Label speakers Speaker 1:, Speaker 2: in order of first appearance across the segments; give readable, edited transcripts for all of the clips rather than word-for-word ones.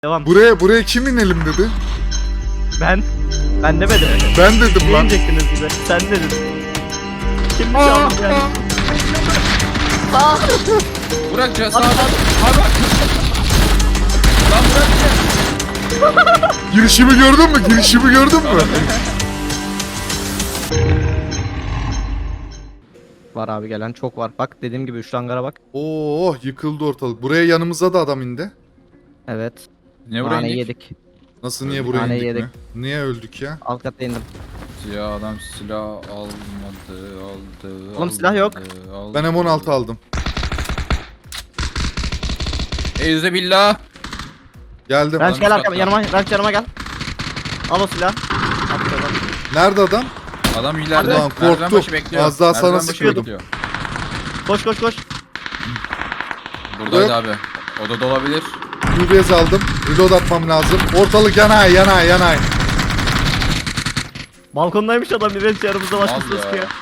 Speaker 1: Devam.
Speaker 2: Buraya kim inelim dedi?
Speaker 1: Ben demedim.
Speaker 2: Ben dedim
Speaker 1: Ne
Speaker 2: lan.
Speaker 1: inecektiniz bize? Sen dedin. Kim çaldı yani?
Speaker 3: Burak cesaret. Abi. Lan Burak.
Speaker 2: Girişimi gördün mü? Girişimi gördün mü?
Speaker 1: Var abi, gelen çok var. Bak dediğim gibi 3 hangara bak.
Speaker 2: Oo, yıkıldı ortalık. Buraya yanımıza da adam indi.
Speaker 1: Evet.
Speaker 3: Ne buraya
Speaker 1: Naneyi
Speaker 3: indik?
Speaker 1: yedik.
Speaker 2: Nasıl, niye buraya
Speaker 1: Naneyi
Speaker 2: indik
Speaker 1: yedik.
Speaker 2: mi? Niye öldük ya?
Speaker 1: Alt katta indim.
Speaker 3: Ya adam silah almadı.
Speaker 1: Oğlum silah yok.
Speaker 2: Ben M16 aldım.
Speaker 3: Eyze billah.
Speaker 2: Geldim.
Speaker 1: Ranch gel
Speaker 3: üst
Speaker 1: arkama,
Speaker 3: katta.
Speaker 1: Ranch yanıma gel. Al o silahı. Atıyorum.
Speaker 2: Nerede adam?
Speaker 3: Adam ileride.
Speaker 2: Ulan
Speaker 3: Merdiven
Speaker 2: korktum.
Speaker 3: başı bekliyor.
Speaker 2: Az daha sana
Speaker 3: Merdiven başı
Speaker 2: sıkıyordum.
Speaker 3: bekliyor.
Speaker 1: Koş koş koş.
Speaker 3: Buradaydı
Speaker 2: Yok.
Speaker 3: abi. O da olabilir.
Speaker 2: UBS aldım. Reload atmam lazım. Ortalık yanay.
Speaker 1: Balkondaymış adam, bir Ranch yanımızda başkasını
Speaker 3: Al ya.
Speaker 1: sıkıyor.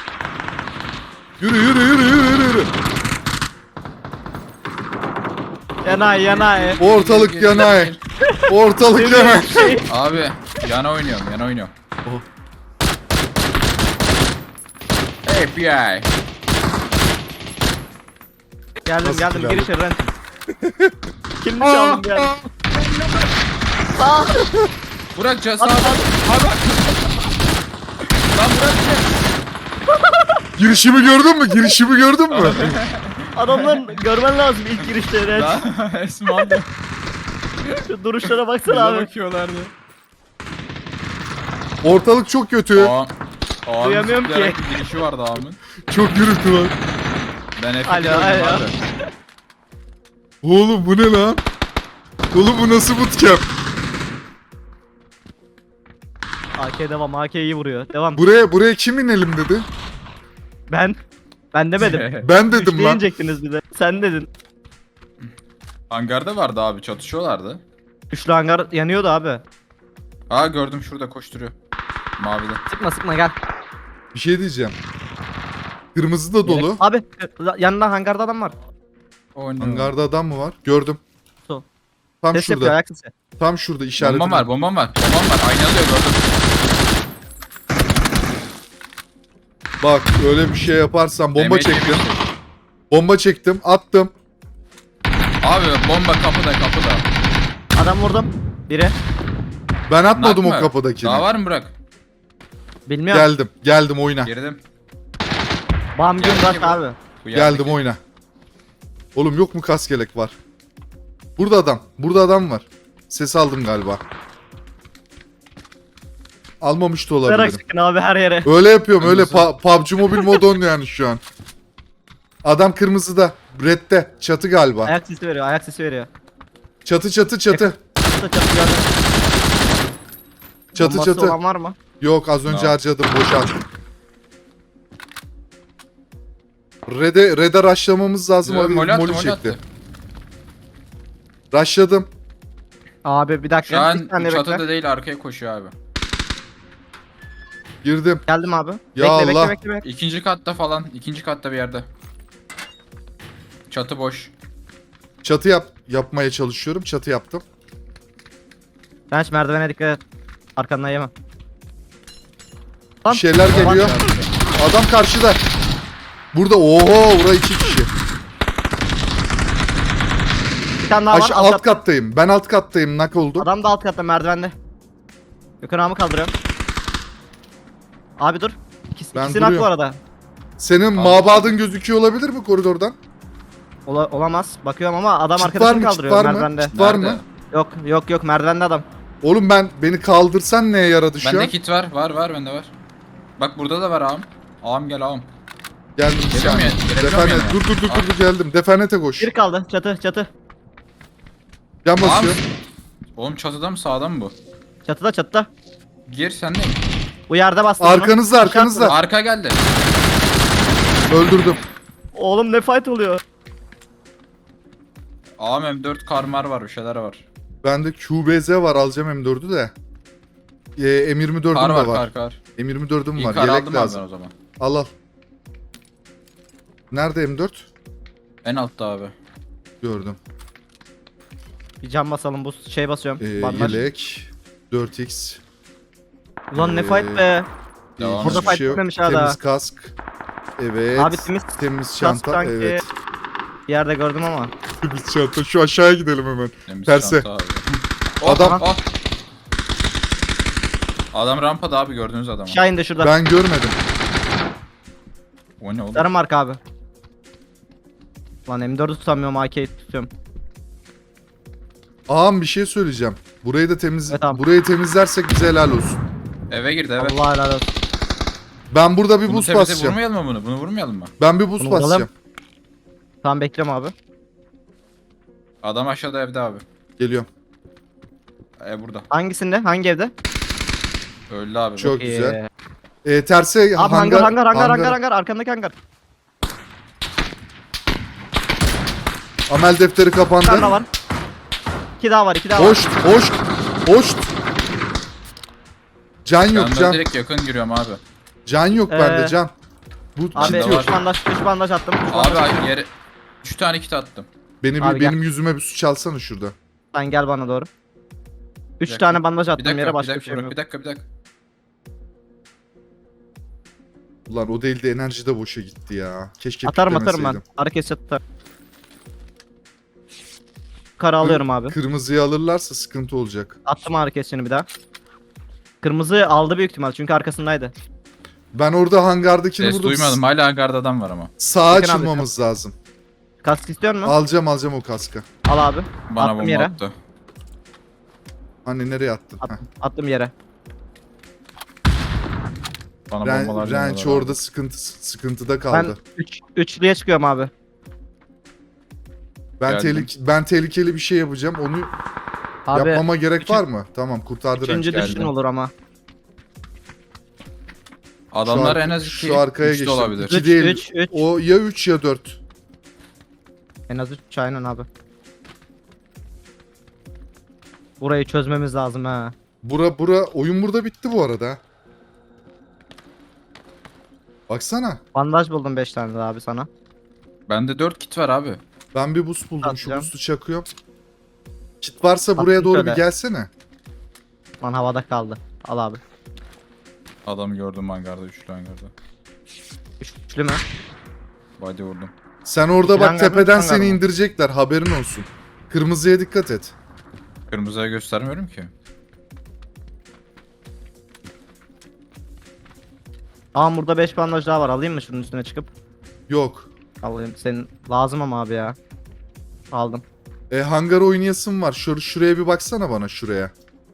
Speaker 2: Yürü.
Speaker 1: Yanay.
Speaker 2: Ortalık
Speaker 3: Gir.
Speaker 2: yanay. Ortalık yanay.
Speaker 3: Abi yana oynuyorum.
Speaker 2: Oh.
Speaker 3: FBI.
Speaker 1: Geldim
Speaker 2: Nasıl
Speaker 1: gir
Speaker 2: geldim?
Speaker 1: içeri Ranch. Kim çaldı yani?
Speaker 3: Burak cesaret. Abi. Lan Burak.
Speaker 2: Girişimi gördün mü?
Speaker 1: Adamların görmen lazım ilk girişte Ranch.
Speaker 3: Lan Esma da.
Speaker 1: Şu duruşlara baksana
Speaker 3: Bize
Speaker 1: abi.
Speaker 3: bakıyorlardı.
Speaker 2: Ortalık çok kötü.
Speaker 3: Ağamın
Speaker 1: Duyamıyorum
Speaker 3: zıplayarak
Speaker 1: ki.
Speaker 3: bir girişi vardı ağamın.
Speaker 2: Çok gürültü var.
Speaker 3: Ben F'de
Speaker 1: Alo,
Speaker 3: gördüm
Speaker 1: alo.
Speaker 3: abi.
Speaker 2: Oğlum bu ne lan? Oğlum bu nasıl bootcamp?
Speaker 1: AK devam, AK iyi vuruyor. Devam.
Speaker 2: Buraya kim inelim dedi?
Speaker 1: Ben demedim.
Speaker 2: Ben dedim
Speaker 1: Üçlü
Speaker 2: lan.
Speaker 1: inecektiniz bize. Sen dedin.
Speaker 3: Hangarda vardı abi, çatışıyorlardı.
Speaker 1: Üçlü hangar yanıyordu abi.
Speaker 3: Aa gördüm, şurada koşturuyor. Mavide.
Speaker 1: Sıkma gel.
Speaker 2: Bir şey diyeceğim. Kırmızı da dolu.
Speaker 1: Abi yanında hangarda adam var.
Speaker 3: Oynuyor.
Speaker 2: Hangarda adam mı var? Gördüm.
Speaker 1: Sol.
Speaker 2: Tam
Speaker 1: Ses yapıyor,
Speaker 2: şurada.
Speaker 1: ayak sesi.
Speaker 2: Tam şurada işaretim.
Speaker 3: Bombam var. Bombam var. Aynalıyor, gördüm.
Speaker 2: Bak öyle bir şey yaparsan bomba
Speaker 3: Demet
Speaker 2: çektim.
Speaker 3: yemiştim.
Speaker 2: Bomba çektim. Attım.
Speaker 3: Abi bomba kapıda.
Speaker 1: Adam vurdum. Biri.
Speaker 2: Ben atmadım
Speaker 3: Nak
Speaker 2: o
Speaker 3: mı?
Speaker 2: kapıdakini.
Speaker 3: Daha var mı Burak?
Speaker 1: Bilmiyorum.
Speaker 2: Geldim oyna.
Speaker 3: Girdim.
Speaker 1: Bam gün
Speaker 3: Geldi
Speaker 1: rak
Speaker 3: ki bu.
Speaker 1: abi.
Speaker 3: Bu
Speaker 2: Geldim
Speaker 3: yerdeki-
Speaker 2: oyna. Oğlum yok mu kaskelek var? Burada adam. Burada adam var. Ses aldım galiba. Almamış da
Speaker 1: Merak
Speaker 2: olabilirim.
Speaker 1: sıkın abi her yere.
Speaker 2: Öyle yapıyorum. Öyle
Speaker 3: Kırmızı.
Speaker 2: PUBG Mobile mod on yani şu an. Adam kırmızıda. Red'de. Çatı galiba.
Speaker 1: Ayak sesi veriyor.
Speaker 2: Çatı.
Speaker 1: Çatı gördüm. Bombası
Speaker 2: Çatı.
Speaker 1: olan var mı?
Speaker 2: Yok az önce
Speaker 3: No.
Speaker 2: harcadım. Boşalt. Red'e rushlamamız lazım.
Speaker 3: Yo,
Speaker 2: Abi
Speaker 3: mol attı,
Speaker 2: molü
Speaker 3: mol
Speaker 2: çekti.
Speaker 3: attı.
Speaker 2: Rushladım.
Speaker 1: Abi bir dakika.
Speaker 3: Şu an
Speaker 1: bir saniye
Speaker 3: çatıda
Speaker 1: bekle.
Speaker 3: değil, arkaya koşuyor abi.
Speaker 2: Girdim.
Speaker 1: Geldim abi.
Speaker 2: Ya
Speaker 1: bekle,
Speaker 2: Allah.
Speaker 1: bekle.
Speaker 3: İkinci katta falan. İkinci katta bir yerde. Çatı boş.
Speaker 2: Çatı yapmaya çalışıyorum. Çatı yaptım.
Speaker 1: Ranch merdivene dikkat et. Arkandan yeme.
Speaker 2: Bir şeyler geliyor. Adam karşıda. Burada. Oho, burada 2 kişi.
Speaker 1: Bir tane daha var.
Speaker 2: Alt kattayım. Ben alt kattayım. Nak oldu.
Speaker 1: Adam da alt katta merdivende. Gökhan ağamı kaldırıyorum. Abi dur.
Speaker 2: Ben
Speaker 1: İkisini hak bu
Speaker 2: duruyorum.
Speaker 1: arada.
Speaker 2: Senin mabadın gözüküyor olabilir mi koridordan?
Speaker 1: Olamaz. Bakıyorum ama adam
Speaker 2: Çit
Speaker 1: arkadaşını
Speaker 2: var mı? Çit
Speaker 1: kaldırıyor
Speaker 2: var mı?
Speaker 1: merdivende.
Speaker 2: Çit var
Speaker 3: Nerede?
Speaker 2: mı?
Speaker 1: Yok merdivende adam.
Speaker 2: Oğlum beni kaldırsan neye yaradı şu
Speaker 3: Bende
Speaker 2: an?
Speaker 3: kit var. Var bende var. Bak burada da var ağam. Ağam gel ağam.
Speaker 2: Geldim bir
Speaker 3: Geliyor
Speaker 2: saniye.
Speaker 3: mu ya? Gelebiliyor
Speaker 2: Defanet.
Speaker 3: muyum ya?
Speaker 2: Dur geldim. Defanete koş.
Speaker 1: Bir kaldı. Çatı.
Speaker 2: Yan
Speaker 3: Ağam.
Speaker 2: basıyor.
Speaker 3: Oğlum çatıda mı sağda mı bu?
Speaker 1: Çatıda.
Speaker 3: Gir sen de.
Speaker 1: Bu yerde bastım.
Speaker 2: Arkanızda.
Speaker 3: Arka geldi.
Speaker 2: Öldürdüm.
Speaker 1: Oğlum ne fight oluyor?
Speaker 3: Ağam M4 karmar var, bir şeyler var.
Speaker 2: Bende QBZ var. Alacağım M4'ü de. M24'üm
Speaker 3: Kar
Speaker 2: de
Speaker 3: var,
Speaker 2: var.
Speaker 3: kar.
Speaker 2: M24'üm
Speaker 3: İyi
Speaker 2: var.
Speaker 3: kar
Speaker 2: Yelek
Speaker 3: aldım abi ben
Speaker 2: lazım.
Speaker 3: o zaman.
Speaker 2: Al. Nerede M4?
Speaker 3: En altta abi.
Speaker 2: Gördüm.
Speaker 1: Bir cam basalım. Bu şey basıyorum. Bandaj.
Speaker 2: Yelek. 4x.
Speaker 1: Ulan ne fight be.
Speaker 3: Devam
Speaker 1: Burada
Speaker 3: et.
Speaker 1: fight
Speaker 2: şey yok.
Speaker 1: bitmemiş hala.
Speaker 2: Temiz kask. Evet.
Speaker 1: Abi temiz
Speaker 2: Temiz
Speaker 1: kask
Speaker 2: çanta.
Speaker 1: sanki
Speaker 2: Evet.
Speaker 1: bir yerde gördüm ama.
Speaker 2: Temiz çanta. Şu aşağıya gidelim hemen.
Speaker 3: Temiz
Speaker 2: Terse.
Speaker 3: çanta abi.
Speaker 2: Adam-
Speaker 3: Oh. Adam rampada abi, gördüğünüz adam.
Speaker 1: Aşağı indi şurada.
Speaker 2: Ben görmedim.
Speaker 3: O ne oğlum?
Speaker 1: Sarı marka abi. Lan M4'ü tutamıyorum, AK'yi tutuyorum.
Speaker 2: Ağam bir şey söyleyeceğim. Burayı da
Speaker 1: Evet abi.
Speaker 2: burayı temizlersek bize helal olsun.
Speaker 3: Eve girdi eve.
Speaker 1: Allah helal olsun.
Speaker 2: Ben burada bir
Speaker 3: Bunu
Speaker 2: buz
Speaker 3: temize
Speaker 2: basacağım.
Speaker 3: vurmayalım mı bunu? Bunu vurmayalım mı?
Speaker 2: Ben bir buz
Speaker 1: Bunu
Speaker 2: basacağım.
Speaker 1: vuralım. Tamam bekliyorum abi.
Speaker 3: Adam aşağıda evde abi.
Speaker 2: Geliyorum.
Speaker 3: Burada.
Speaker 1: Hangisinde? Hangi evde?
Speaker 3: Öldü abi.
Speaker 2: Çok
Speaker 3: Bak.
Speaker 2: güzel. Terse
Speaker 1: Abi hangar. Arkandaki hangar.
Speaker 2: Amel defteri
Speaker 1: Bir tane daha
Speaker 2: kapandı.
Speaker 1: var. İki daha var.
Speaker 2: Hoş. Can yok
Speaker 3: Ben de
Speaker 2: can.
Speaker 3: direkt yakın giriyorum abi.
Speaker 2: Can yok bende can. Bu
Speaker 1: Abi
Speaker 2: kit
Speaker 3: Bende
Speaker 2: yok.
Speaker 3: var.
Speaker 1: 3 bandaj attım.
Speaker 3: Abi yere 3 tane kit attım.
Speaker 1: Abi
Speaker 2: Benim yüzüme bir su çalsana şurada.
Speaker 1: Sen gel bana doğru. 3
Speaker 3: dakika.
Speaker 1: tane bandaj
Speaker 3: Bir
Speaker 1: attım
Speaker 3: dakika,
Speaker 1: yere,
Speaker 3: bir
Speaker 1: başka bir
Speaker 3: dakika,
Speaker 1: şey yok.
Speaker 3: bir dakika.
Speaker 2: Ulan o değil de enerji de boşa gitti ya. Keşke
Speaker 1: Atarım ben.
Speaker 2: piklemeseydim.
Speaker 1: Hareket atarım. Kara alıyorum abi.
Speaker 2: Kırmızıyı alırlarsa sıkıntı olacak.
Speaker 1: Attım hareketini bir daha. Kırmızı aldı büyük ihtimal çünkü arkasındaydı.
Speaker 2: Ben orada hangardakini
Speaker 3: Ses
Speaker 2: vurdum.
Speaker 3: duymadım. Hala hangarda adam var ama.
Speaker 2: Sağa
Speaker 1: Bakın abi,
Speaker 2: açılmamız lazım.
Speaker 1: Kask istiyor musun?
Speaker 2: Alacağım o kaska.
Speaker 1: Al abi.
Speaker 3: Bana
Speaker 1: Attım
Speaker 3: bomba
Speaker 1: yere.
Speaker 3: attı.
Speaker 2: Hani nereye attın? Heh.
Speaker 1: Attım yere.
Speaker 3: Bana bombalar
Speaker 2: Ranch
Speaker 3: yanıyorlar
Speaker 2: orada
Speaker 3: abi.
Speaker 2: sıkıntıda
Speaker 1: Ben
Speaker 2: kaldı.
Speaker 1: üçlüye çıkıyorum abi.
Speaker 3: Geldim.
Speaker 2: Ben tehlikeli bir şey yapacağım. Onu
Speaker 1: Abi
Speaker 2: yapmama gerek var mı? Tamam kurtardı Ranch.
Speaker 1: üçüncü
Speaker 3: geldim.
Speaker 1: düşün olur ama.
Speaker 3: Adamlar
Speaker 2: Şu
Speaker 3: en az 2
Speaker 2: şu arkaya geçtim.
Speaker 3: olabilir.
Speaker 2: 2
Speaker 1: Üç,
Speaker 2: değil.
Speaker 1: üç.
Speaker 2: O ya 3 ya 4.
Speaker 1: En az 3 aynen abi. Burayı çözmemiz lazım ha.
Speaker 2: Oyun burada bitti bu arada. Baksana.
Speaker 1: Bandaj buldum 5 tane daha abi sana.
Speaker 3: Bende 4 kit var abi.
Speaker 2: Ben bir buz buldum. Şu
Speaker 1: Atacağım.
Speaker 2: buzu çakıyorum. Kit varsa buraya
Speaker 1: Attım
Speaker 2: doğru
Speaker 1: şöyle.
Speaker 2: bir gelsene.
Speaker 1: Lan havada kaldı. Al abi.
Speaker 3: Adamı gördüm hangarda, 3'lü hangarda.
Speaker 1: Üçlü mü?
Speaker 3: Body vurdum.
Speaker 2: Sen orada
Speaker 1: İki
Speaker 2: bak
Speaker 1: hangar mı,
Speaker 2: tepeden
Speaker 1: üç hangar
Speaker 2: seni
Speaker 1: mı?
Speaker 2: indirecekler. Haberin olsun. Kırmızıya dikkat et.
Speaker 3: Kırmızıya göstermiyorum ki.
Speaker 1: Aa burada 5 bandaj daha var. Alayım mı şunun üstüne çıkıp?
Speaker 2: Yok.
Speaker 1: Alayım. Senin lazım ama abi ya. Aldım.
Speaker 2: Hangar oynayasın var. Şuraya bir baksana bana şuraya.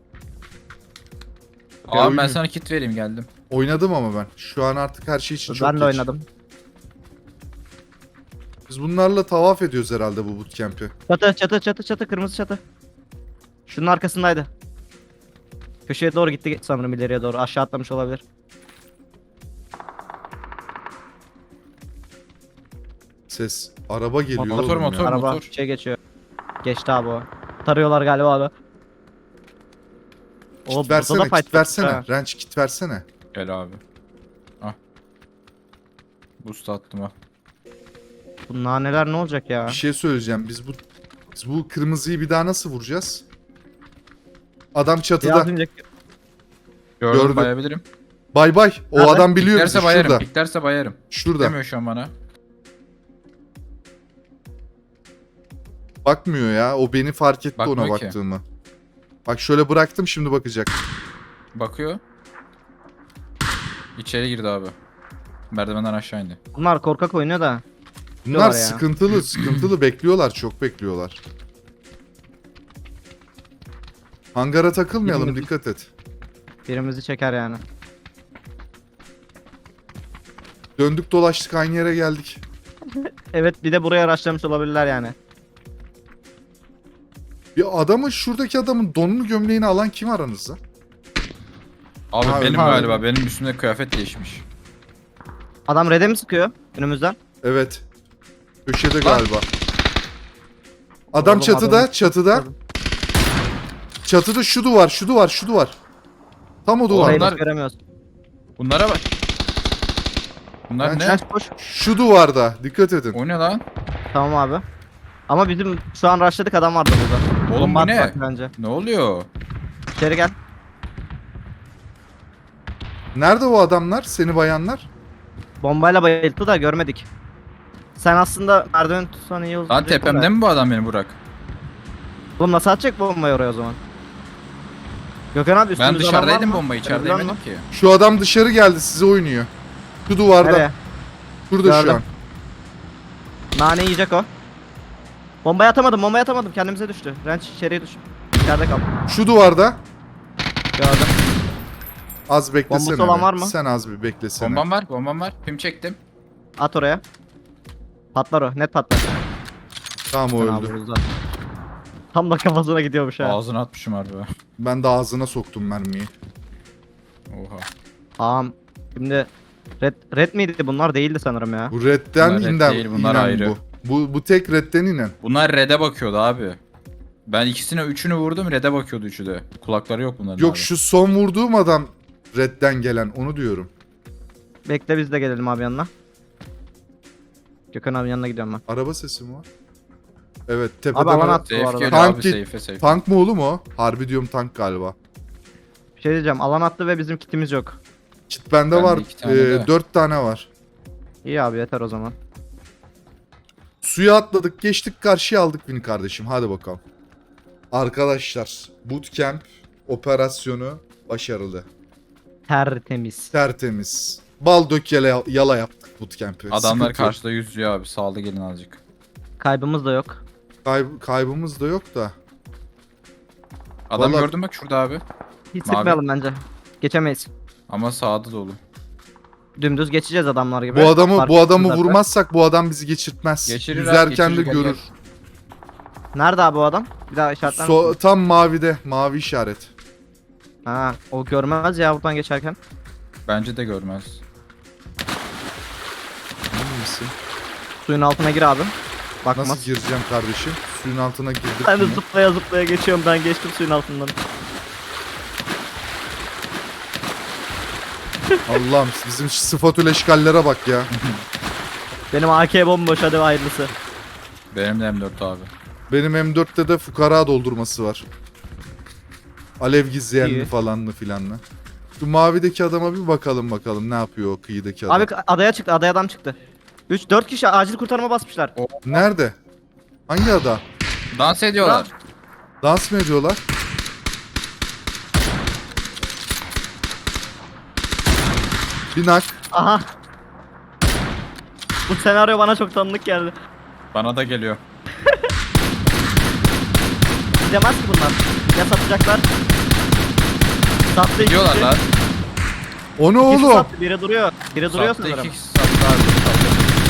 Speaker 3: Abi ben
Speaker 2: oynuyor.
Speaker 3: sana kit vereyim, geldim.
Speaker 2: Oynadım ama ben. Şu an artık her şey için çok
Speaker 1: Ben de
Speaker 2: geç.
Speaker 1: oynadım.
Speaker 2: Biz bunlarla tavaf ediyoruz herhalde bu bootcamp'i.
Speaker 1: Çatı kırmızı çatı. Şunun arkasındaydı. Köşeye doğru gitti sanırım, ileriye doğru. Aşağı atlamış olabilir.
Speaker 2: Ses. Araba geliyor
Speaker 3: Motor,
Speaker 2: oğlum
Speaker 3: motor.
Speaker 2: ya.
Speaker 1: Araba şey geçiyor. Geçti abi o. Tarıyorlar galiba abi. O
Speaker 2: Kit versene,
Speaker 1: burada da
Speaker 2: kit
Speaker 1: fight
Speaker 2: versene.
Speaker 1: var ha.
Speaker 2: Ranch kit versene.
Speaker 3: Gel abi. Ah. Boost attım ha.
Speaker 1: Bu naneler ne olacak ya?
Speaker 2: Bir şey söyleyeceğim. Biz bu kırmızıyı bir daha nasıl vuracağız? Adam çatıda.
Speaker 1: Biraz önce
Speaker 3: Gördüm,
Speaker 2: Gördüm.
Speaker 3: bayabilirim.
Speaker 2: Bay bay. O
Speaker 1: Nerede?
Speaker 2: adam biliyor bizi.
Speaker 3: Piklerse bayarım,
Speaker 2: Şurada.
Speaker 3: piklerse bayarım.
Speaker 2: Şurada.
Speaker 3: Demiyor şu an bana.
Speaker 2: Bakmıyor ya. O beni fark etti
Speaker 3: Bakmıyor
Speaker 2: ona
Speaker 3: ki.
Speaker 2: baktığımı. Bak şöyle bıraktım, şimdi bakacak.
Speaker 3: Bakıyor. İçeri girdi abi. Merdivenden aşağı indi.
Speaker 1: bunlar korkak oynuyor da.
Speaker 2: Bunlar
Speaker 1: Bekliyorlar ya.
Speaker 2: sıkıntılı bekliyorlar. Çok bekliyorlar. Hangara takılmayalım,
Speaker 1: Yemin-
Speaker 2: dikkat et.
Speaker 1: Birimizi çeker yani.
Speaker 2: Döndük dolaştık aynı yere geldik.
Speaker 1: Evet, bir de buraya araçlamış olabilirler yani.
Speaker 2: Şuradaki adamın donunu gömleğini alan kim aranızda?
Speaker 3: Abi
Speaker 2: Ha,
Speaker 3: benim
Speaker 2: öyle.
Speaker 3: galiba. Benim üstümde kıyafet değişmiş.
Speaker 1: Adam red'e mi sıkıyor önümüzden?
Speaker 2: Evet. Köşede
Speaker 3: Lan.
Speaker 2: galiba. Adam
Speaker 1: Oğlum,
Speaker 2: çatıda,
Speaker 1: adamı-
Speaker 2: çatıda. Çatıda şu duvar. Tam o duvar.
Speaker 1: Orayı
Speaker 3: Onlar-
Speaker 1: biz göremiyoruz.
Speaker 3: Bunlara bak. Bunlar
Speaker 2: Ben
Speaker 3: ne?
Speaker 1: Kaç koş.
Speaker 2: Şu duvarda. Dikkat edin.
Speaker 3: O ne lan?
Speaker 1: Tamam abi. Ama bizim şu an rushladık, adam vardı burada.
Speaker 3: Oğlum
Speaker 1: Bomba
Speaker 3: bu
Speaker 1: at
Speaker 3: ne?
Speaker 1: bak bence.
Speaker 3: Ne oluyor?
Speaker 1: İçeri gel.
Speaker 2: Nerede o adamlar? Seni bayanlar?
Speaker 1: Bombayla bayılttı da görmedik. Sen aslında merdiven tutsan iyi olur.
Speaker 3: Lan tepemde mi bu adam beni Burak?
Speaker 1: Oğlum nasıl atacak bombayı oraya o zaman? Gökhan abi
Speaker 3: Ben
Speaker 1: üstümüzde adam var
Speaker 3: dışarıdaydım
Speaker 1: mı?
Speaker 3: bombayı içeride
Speaker 1: Biliyor
Speaker 3: yemedim
Speaker 1: musun?
Speaker 3: ki.
Speaker 2: Şu adam dışarı geldi, size oynuyor. Şu duvarda.
Speaker 1: Nereye?
Speaker 2: Şurada şu
Speaker 1: Gördüm.
Speaker 2: an.
Speaker 1: Nane yiyecek o. Bombayı atamadım. Kendimize düştü. Ranch içeriye düştü. İçeride kal.
Speaker 2: Şu duvarda.
Speaker 1: Gördüm.
Speaker 2: Az beklesene.
Speaker 1: Bombası olan
Speaker 2: be.
Speaker 1: var mı?
Speaker 2: Sen az bir beklesene.
Speaker 3: Bombam var. Pim çektim.
Speaker 1: At oraya. Patlar o. Net patlar.
Speaker 2: Tamam o
Speaker 1: Fena
Speaker 2: öldü.
Speaker 1: vururuz ha. Tam da kafasına gidiyormuş ha.
Speaker 3: Ağzına atmışım harbi.
Speaker 2: Ben de ağzına soktum mermiyi.
Speaker 3: Oha.
Speaker 1: Tamam. Şimdi red miydi bunlar? Değildi sanırım ya.
Speaker 2: Bu redden
Speaker 3: Bunlar red
Speaker 2: inen,
Speaker 3: değil, bunlar
Speaker 2: inen
Speaker 3: ayrı.
Speaker 2: bu tek redden inen.
Speaker 3: Bunlar red'e bakıyordu abi. Ben üçünü vurdum, red'e bakıyordu üçü de. Kulakları yok bunların
Speaker 2: Yok
Speaker 3: abi.
Speaker 2: şu son vurduğum adam redden gelen, onu diyorum.
Speaker 1: Bekle biz de gelelim abi yanına. Gökhan abi yanına gidiyorum ben.
Speaker 2: Araba sesi mi var? Evet tepeden
Speaker 1: Abi alan
Speaker 2: ara-
Speaker 1: at bu
Speaker 3: Safe
Speaker 1: arada.
Speaker 3: geliyor
Speaker 2: Tank
Speaker 3: abi,
Speaker 2: git-
Speaker 3: safe.
Speaker 2: Tank mı oğlum o? Harbi diyorum tank galiba.
Speaker 1: Bir şey diyeceğim. Alan attı ve bizim kitimiz yok.
Speaker 2: Kit bende
Speaker 3: Bende
Speaker 2: var.
Speaker 3: 2 tane de.
Speaker 2: 4 tane var.
Speaker 1: İyi abi yeter o zaman.
Speaker 2: Suya atladık, geçtik, karşıya aldık beni kardeşim. Hadi bakalım. Arkadaşlar, bootcamp operasyonu başarılı.
Speaker 1: Tertemiz.
Speaker 2: Tertemiz. Bal dök yala yaptık bootcamp'i.
Speaker 3: Adamlar
Speaker 2: Sıkıntı yok.
Speaker 3: karşıda yüzüyor abi. Saldı gelin azıcık.
Speaker 1: Kaybımız da yok.
Speaker 2: Kaybımız da yok da.
Speaker 3: Adam
Speaker 2: Vallahi-
Speaker 3: gördün bak şurada abi.
Speaker 1: Hiç
Speaker 3: Mavi.
Speaker 1: sıkmayalım bence. Geçemeyiz.
Speaker 3: Ama sağda dolu.
Speaker 1: Dümdüz geçeceğiz adamlar gibi.
Speaker 2: Bu adamı
Speaker 1: Fark zaten.
Speaker 2: vurmazsak bu adam bizi geçirtmez.
Speaker 3: Geçirir abi,
Speaker 2: Yüzerken de
Speaker 3: geçirir, gel,
Speaker 2: görür.
Speaker 1: Nerede abi o adam? Bir daha işaretler misin?
Speaker 2: Tam mavide, mavi işaret.
Speaker 1: Ha, o görmez ya buradan geçerken.
Speaker 3: Bence de görmez.
Speaker 2: Emin misin?
Speaker 1: Suyun altına gir abi. Bakmaz.
Speaker 2: Nasıl gireceğim kardeşim? Suyun altına girdik.
Speaker 1: Ben de
Speaker 2: mi?
Speaker 1: zıplaya zıplaya geçiyorum. Ben geçtim suyun altından.
Speaker 2: Allah'ım bizim sıfatül eşkallere bak ya.
Speaker 1: Benim AK bomboş hadi hayırlısı.
Speaker 3: Benim de M4 abi.
Speaker 2: Benim M4'te de fukara doldurması var. Alev gizleyenli
Speaker 1: İyi.
Speaker 2: falanlı filanlı. Şu mavideki adama bir bakalım ne yapıyor o kıyıdaki adam.
Speaker 1: Abi adaya çıktı. Adaya adam çıktı. 3-4 kişi acil kurtarma basmışlar.
Speaker 2: Nerede? Hangi ada?
Speaker 3: Dans ediyorlar.
Speaker 2: Dans mı ediyorlar? Binak.
Speaker 1: Aha. Bu senaryo bana çok tanıdık geldi.
Speaker 3: Bana da geliyor.
Speaker 1: Gidemez ki bunlar. Ya satacaklar. Sattı iki
Speaker 3: Gidiyorlar
Speaker 1: kişi.
Speaker 3: lan.
Speaker 2: O ne
Speaker 1: İkisi
Speaker 2: oğlum?
Speaker 1: sattı. Biri duruyor. Biri duruyor
Speaker 3: Sattı,
Speaker 1: sanırım.
Speaker 3: iki kişi sattı abi. Sattı.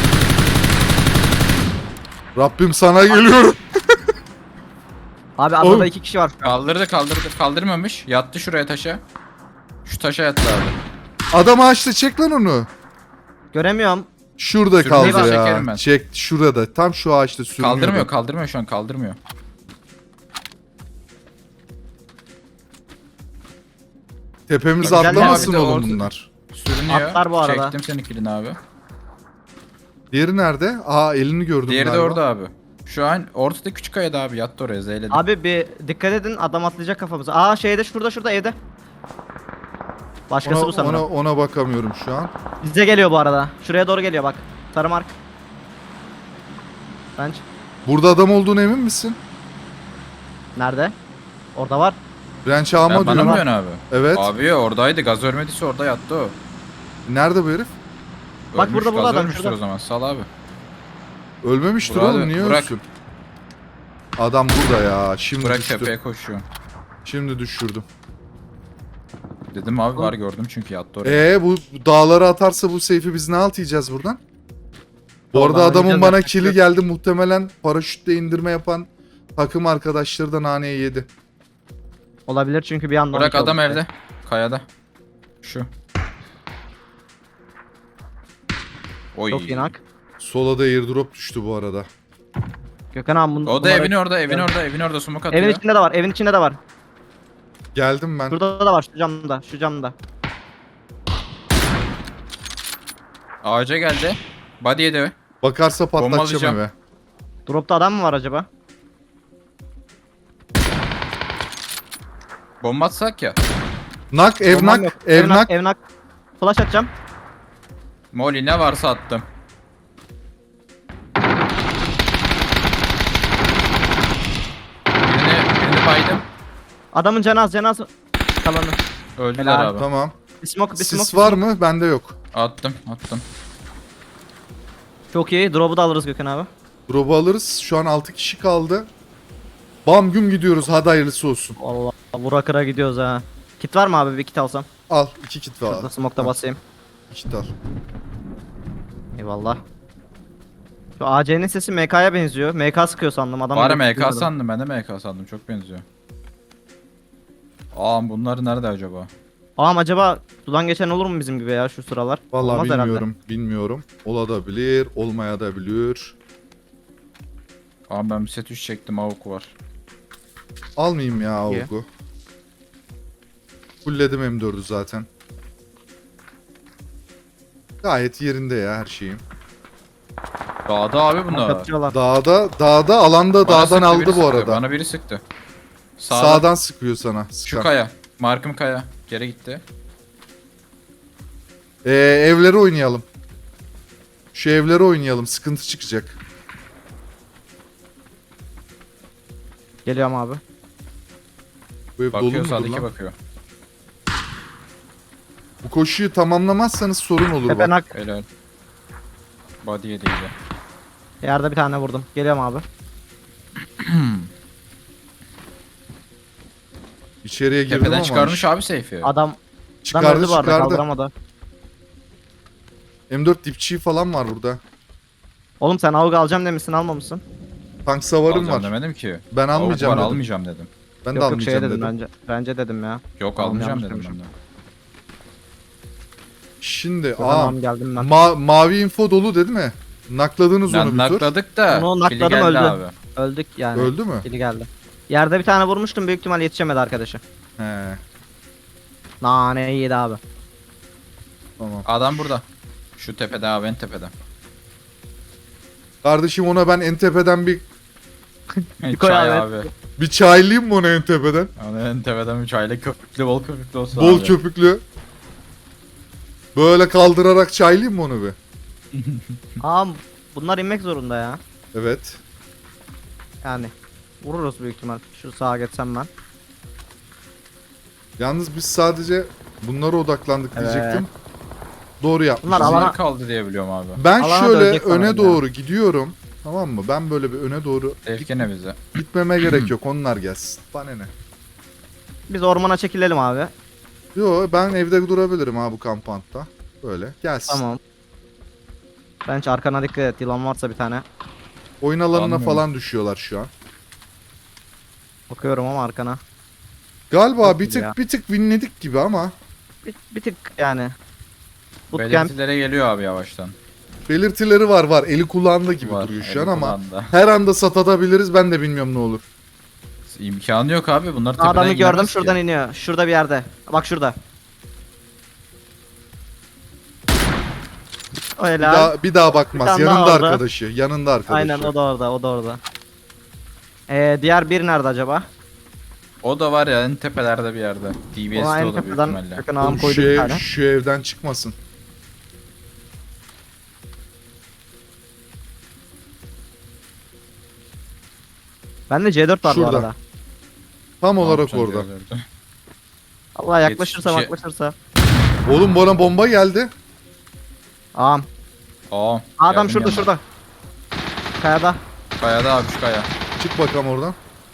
Speaker 2: Rabbim sana geliyorum.
Speaker 1: Abi
Speaker 2: Oğlum.
Speaker 1: adada 2 kişi var.
Speaker 3: Kaldırdı. Kaldırmamış. Yattı şuraya taşa. Şu taşa yattı abi.
Speaker 2: Adam ağaçta çek lan onu.
Speaker 1: Göremiyorum.
Speaker 2: Şurada
Speaker 3: Sürüneyi
Speaker 2: kaldı ya.
Speaker 3: çekerim ben.
Speaker 2: Çek şurada. Tam şu ağaçta sürünüyordu.
Speaker 3: Kaldırmıyor şu an kaldırmıyor.
Speaker 2: Tepemize
Speaker 1: Bak, güzel
Speaker 2: atlamasın
Speaker 3: ya. Bir de
Speaker 2: oğlum
Speaker 3: orta-
Speaker 2: bunlar.
Speaker 3: Sürünüyor.
Speaker 1: Atlar bu arada.
Speaker 3: Çektim senin kilini abi.
Speaker 2: Diğeri nerede? Aa elini gördüm
Speaker 3: Diğeri de
Speaker 2: galiba.
Speaker 3: orada abi. Şu an ortada küçük kayada abi yattı oraya zeyledi.
Speaker 1: Abi bir dikkat edin adam atlayacak kafamıza. Aa şeyde şurada evde. Başkası bu sanırım.
Speaker 2: Ona bakamıyorum şu an.
Speaker 1: Bize geliyor bu arada. Şuraya doğru geliyor bak. Sarı mark. Bence.
Speaker 2: Burada adam olduğunu emin misin?
Speaker 1: Nerede? Orada var.
Speaker 2: Ranch ağama
Speaker 3: Bana mı
Speaker 2: diyorum.
Speaker 3: diyorsun abi?
Speaker 2: Evet.
Speaker 3: Abi oradaydı gaz örmediyse orada yattı o.
Speaker 2: Nerede bu herif?
Speaker 1: Bak
Speaker 3: Ölmüş,
Speaker 1: burada
Speaker 3: gaz
Speaker 1: adam,
Speaker 3: ölmüştür
Speaker 1: şurada.
Speaker 3: o zaman sal abi.
Speaker 2: Ölmemiştir
Speaker 3: Burak
Speaker 2: oğlum.
Speaker 3: abi,
Speaker 2: Niye
Speaker 3: Burak.
Speaker 2: ölsün? Adam burada ya. Şimdi
Speaker 3: Bırak
Speaker 2: düştü.
Speaker 3: tepeye koşuyor.
Speaker 2: Şimdi düşürdüm.
Speaker 3: Dedim abi var gördüm çünkü yattı oraya.
Speaker 2: Bu dağlara atarsa bu seyfi biz ne alt yiyeceğiz buradan? Bu
Speaker 1: Vallahi
Speaker 2: arada adamın
Speaker 1: yiyeceğiz
Speaker 2: bana
Speaker 1: artık.
Speaker 2: kili geldi. Muhtemelen paraşütle indirme yapan takım arkadaşları da naneyi yedi.
Speaker 1: Olabilir çünkü bir anda
Speaker 3: Bırak
Speaker 1: 12
Speaker 3: adam
Speaker 1: oldu.
Speaker 3: evde. Kayada. Şu. Oy.
Speaker 1: Çok inak.
Speaker 2: Sola da airdrop düştü bu arada.
Speaker 1: Gökhan abi
Speaker 3: O da evin orada, evin orada smoke atıyor.
Speaker 1: Evin içinde de var. Evin içinde de var.
Speaker 2: Geldim ben.
Speaker 1: Şurada da var. Şu camda.
Speaker 3: Ağaca geldi. Body yedi.
Speaker 2: Bakarsa patlatacağım
Speaker 3: Bombalayacağım.
Speaker 2: eve.
Speaker 1: Dropta adam mı var acaba?
Speaker 3: Bomba atsak ya.
Speaker 2: Nak, ev
Speaker 1: Bombam yok.
Speaker 2: nak, ev nak.
Speaker 1: Ev nak. Flash atacağım.
Speaker 3: Molly ne varsa attım. Birini baydım.
Speaker 1: Adamın canı az kalanı.
Speaker 3: Öldüler
Speaker 1: Helal.
Speaker 3: abi.
Speaker 2: Tamam.
Speaker 1: Bir smoke bir smoke.
Speaker 2: Sis var mı? Bende yok.
Speaker 3: Attım.
Speaker 1: Çok iyi. Drop'u da alırız Gökhan abi.
Speaker 2: Drop'u alırız. Şu an 6 kişi kaldı. Bam güm gidiyoruz. Hadi hayırlısı olsun.
Speaker 1: Allah vura kıra gidiyoruz ha. Kit var mı abi? Bir kit alsam.
Speaker 2: Al. 2 kit var.
Speaker 1: Şurada smoke'ta basayım.
Speaker 2: 2 kit al.
Speaker 1: Eyvallah. Şu AC'nin sesi MK'ya benziyor. MK sıkıyor sandım. Adam
Speaker 3: Var MK sandım. Ben de MK sandım. Çok benziyor. Aa bunlar nerede acaba?
Speaker 1: Ağam acaba sudan geçen olur mu bizim gibi ya şu sıralar?
Speaker 2: Vallahi
Speaker 1: Olmaz herhalde.
Speaker 2: bilmiyorum. Bilmiyorum. Olabilir. Olmayabilir.
Speaker 3: Aa ben bir set 3 çektim. AUK var.
Speaker 2: Almayayım ya
Speaker 1: İyi.
Speaker 2: AUK'u. Fullledim M4'ü zaten. Gayet yerinde ya her şeyim.
Speaker 3: Dağda abi bunlar.
Speaker 1: Kapatıyorlar.
Speaker 2: Dağda, alanda
Speaker 3: Bana
Speaker 2: dağdan
Speaker 3: sıktı,
Speaker 2: aldı
Speaker 3: biri
Speaker 2: bu
Speaker 3: sıktı.
Speaker 2: arada.
Speaker 3: Bana biri sıktı.
Speaker 2: Sağdan sıkıyor sana.
Speaker 3: Şu
Speaker 2: Sıkan.
Speaker 3: kaya. Markım kaya. Geri gitti.
Speaker 2: Evleri oynayalım. Şu evleri oynayalım. Sıkıntı çıkacak.
Speaker 1: Geliyorum abi.
Speaker 2: Bu ev dolu
Speaker 3: Bakıyor
Speaker 2: mudur
Speaker 3: sağdaki
Speaker 2: lan?
Speaker 3: bakıyor.
Speaker 2: Bu koşuyu tamamlamazsanız sorun olur
Speaker 1: Tepe
Speaker 2: bak.
Speaker 1: nak.
Speaker 3: Helal. Body'ye değdi.
Speaker 1: Yerde bir tane vurdum. Geliyorum abi.
Speaker 2: İçeriye girdim
Speaker 3: Tepeden
Speaker 2: ama
Speaker 3: çıkarmış abi seyfi.
Speaker 1: Adam
Speaker 2: çıkardı
Speaker 1: öldü bu arada,
Speaker 2: çıkardı.
Speaker 1: kaldıramadı.
Speaker 2: M4 dipçiği falan var burada.
Speaker 1: Oğlum sen AUG alacağım demişsin, almamışsın.
Speaker 2: Tank savarım
Speaker 3: Alacağım
Speaker 2: var.
Speaker 3: demedim ki.
Speaker 2: Ben
Speaker 3: AUK
Speaker 2: almayacağım
Speaker 3: var,
Speaker 2: dedim.
Speaker 3: almayacağım dedim.
Speaker 2: Ben de
Speaker 1: Yok yok şey
Speaker 2: almayacağım
Speaker 1: dedim
Speaker 2: dedim.
Speaker 1: bence dedim ya.
Speaker 3: Yok
Speaker 1: Tamam,
Speaker 3: almayacağım
Speaker 1: yanlış
Speaker 3: dedim ben
Speaker 1: demişim.
Speaker 3: de.
Speaker 2: Şimdi
Speaker 1: Tamam geldim ben.
Speaker 2: mavi info dolu dedi mi? Nakladınız onu bir tur.
Speaker 3: Nakladık da
Speaker 1: Onu
Speaker 3: kili
Speaker 1: nakladım,
Speaker 3: geldi
Speaker 1: öldü.
Speaker 3: abi.
Speaker 1: Öldük yani.
Speaker 2: Öldü mü?
Speaker 1: Biri geldi. Yerde bir tane vurmuştum, büyük ihtimal yetişemedi arkadaşı.
Speaker 2: He,
Speaker 1: Nane yedi abi.
Speaker 2: tamam.
Speaker 3: Adam burada. Şu tepede abi en tepede.
Speaker 2: Kardeşim ona ben en tepeden bir
Speaker 1: koy
Speaker 3: Çay
Speaker 1: abi.
Speaker 3: abi.
Speaker 2: bir çaylayayım mı ona en tepeden?
Speaker 3: Ona en tepeden bir çayla köpüklü bol köpüklü olsun
Speaker 2: Bol
Speaker 3: abi.
Speaker 2: köpüklü. Böyle kaldırarak çaylayayım mı onu bir?
Speaker 1: Aa bunlar inmek zorunda ya.
Speaker 2: Evet.
Speaker 1: Yani vururuz büyük ihtimal. Şu sağa geçsem ben.
Speaker 2: Yalnız biz sadece bunlara odaklandık
Speaker 1: Evet.
Speaker 2: diyecektim. Doğru yapmışız.
Speaker 1: Bunlar
Speaker 3: Bunlar
Speaker 1: alana-
Speaker 3: kaldı diye biliyorum abi.
Speaker 2: Ben
Speaker 1: alana
Speaker 2: şöyle
Speaker 1: dönecek
Speaker 2: öne
Speaker 1: sanırım
Speaker 2: doğru gidiyorum. Tamam mı? Ben böyle bir öne doğru
Speaker 3: Tevkine bize.
Speaker 2: gitmeme gerek yok. Onlar gelsin. Bana ne?
Speaker 1: Biz ormana çekilelim abi.
Speaker 2: Yo ben evde durabilirim ha bu kampanta. Böyle gelsin.
Speaker 1: Tamam. Ben hiç arkana dikkat et. Yılan varsa bir tane.
Speaker 2: Oyun alanına
Speaker 3: Anlıyorum.
Speaker 2: falan düşüyorlar şu an.
Speaker 1: Bakıyorum ama arkana.
Speaker 2: Galiba
Speaker 1: Çok
Speaker 2: bir
Speaker 1: iyi
Speaker 2: tık
Speaker 1: ya.
Speaker 2: bir tık winledik gibi ama
Speaker 1: Bir tık yani. Bootcamp.
Speaker 3: Belirtilere geliyor abi yavaştan.
Speaker 2: belirtileri var. Eli kulağında gibi
Speaker 3: Var,
Speaker 2: duruyor şu
Speaker 3: eli
Speaker 2: an ama
Speaker 3: kulağında.
Speaker 2: her anda satabiliriz. Ben de bilmiyorum ne olur.
Speaker 3: İmkanı yok abi. Bunlar tepeden
Speaker 1: Adamı gördüm,
Speaker 3: giremez ki.
Speaker 1: şuradan iniyor. Şurada bir yerde. Bak şurada. O
Speaker 2: Bir
Speaker 1: helal.
Speaker 2: daha bakmaz.
Speaker 1: Bir tane
Speaker 2: Yanında
Speaker 1: daha orada.
Speaker 2: arkadaşı. Yanında arkadaşı.
Speaker 1: Aynen o da orada, o da orada. Diğer bir nerede acaba?
Speaker 3: O da var ya en tepelerde bir yerde.
Speaker 1: O
Speaker 3: DBS'de
Speaker 1: aynı
Speaker 3: o da büyük
Speaker 1: tepeden
Speaker 3: ihtimalle.
Speaker 1: yakın
Speaker 2: Oğlum
Speaker 1: ağam koydu bir tane.
Speaker 2: şu evden çıkmasın.
Speaker 1: Bende C4 var
Speaker 2: Şurada.
Speaker 1: bu arada.
Speaker 2: Tam
Speaker 3: Ne
Speaker 2: olarak
Speaker 3: yapacaksın
Speaker 2: orada.
Speaker 3: diyorlardı.
Speaker 1: Allah yaklaşırsa
Speaker 3: Yetişmiş-
Speaker 1: yaklaşırsa.
Speaker 2: Oğlum bana bomba geldi.
Speaker 1: Ağam.
Speaker 3: Aa.
Speaker 1: Adam
Speaker 3: geldim
Speaker 1: şurada
Speaker 3: yanına.
Speaker 1: şurada. Kayada.
Speaker 3: Kayada abi şu kaya.
Speaker 2: Çık bakalım oradan.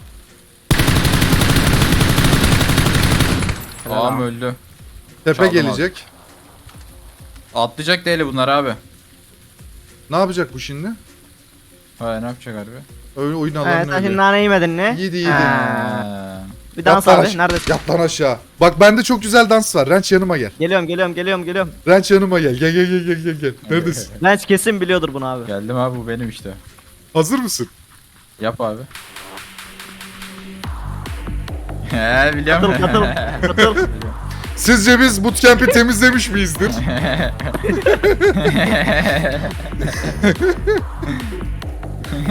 Speaker 1: Helal
Speaker 3: Ağam
Speaker 1: abi.
Speaker 3: öldü.
Speaker 2: Tepe
Speaker 3: Çaldım
Speaker 2: gelecek.
Speaker 3: Atlayacak değil bunlar abi.
Speaker 2: Ne yapacak bu şimdi?
Speaker 3: Ha ne yapacak harbi?
Speaker 2: Oyun
Speaker 1: Sen
Speaker 2: alanını
Speaker 1: şimdi
Speaker 2: öyle.
Speaker 1: nane yemedin mi?
Speaker 2: Yedi.
Speaker 1: Ha.
Speaker 3: Ha.
Speaker 1: Bir dans
Speaker 2: Yat lan
Speaker 1: abi.
Speaker 2: aş-
Speaker 1: Neredesin?
Speaker 2: Yat lan aşağı. Bak bende çok güzel dans var. Renç yanıma gel.
Speaker 1: Geliyorum.
Speaker 2: Renç yanıma gel. Gel. Neredesin?
Speaker 1: Lens kesin biliyordur bunu abi.
Speaker 3: Geldim abi bu benim işte.
Speaker 2: Hazır mısın?
Speaker 3: Yap abi. He biliyorum.
Speaker 1: Katıl.
Speaker 2: Sizce biz bootcamp'i temizlemiş miyizdir?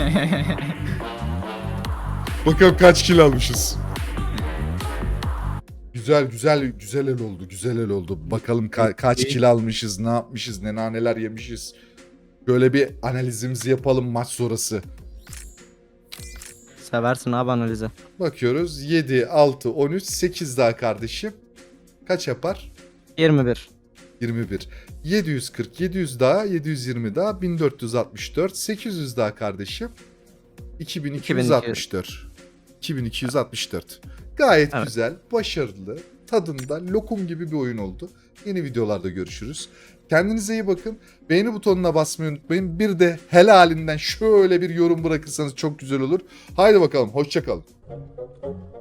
Speaker 2: Bakalım kaç kill almışız. Güzel güzel güzel el oldu. Güzel el oldu. Bakalım kaç kilo almışız, ne yapmışız, ne naneler yemişiz. Böyle bir analizimizi yapalım maç sonrası.
Speaker 1: Seversin abi analizi.
Speaker 2: Bakıyoruz. 7, 6, 13, 8 daha kardeşim. Kaç yapar?
Speaker 1: 21.
Speaker 2: 21. 740, 700 daha, 720 daha, 1464, 800 daha kardeşim. 2264. 2264. Gayet
Speaker 1: Evet.
Speaker 2: güzel, başarılı, tadında lokum gibi bir oyun oldu. Yeni videolarda görüşürüz. Kendinize iyi bakın. Beğeni butonuna basmayı unutmayın. Bir de helalinden şöyle bir yorum bırakırsanız çok güzel olur. Haydi bakalım, hoşça kalın.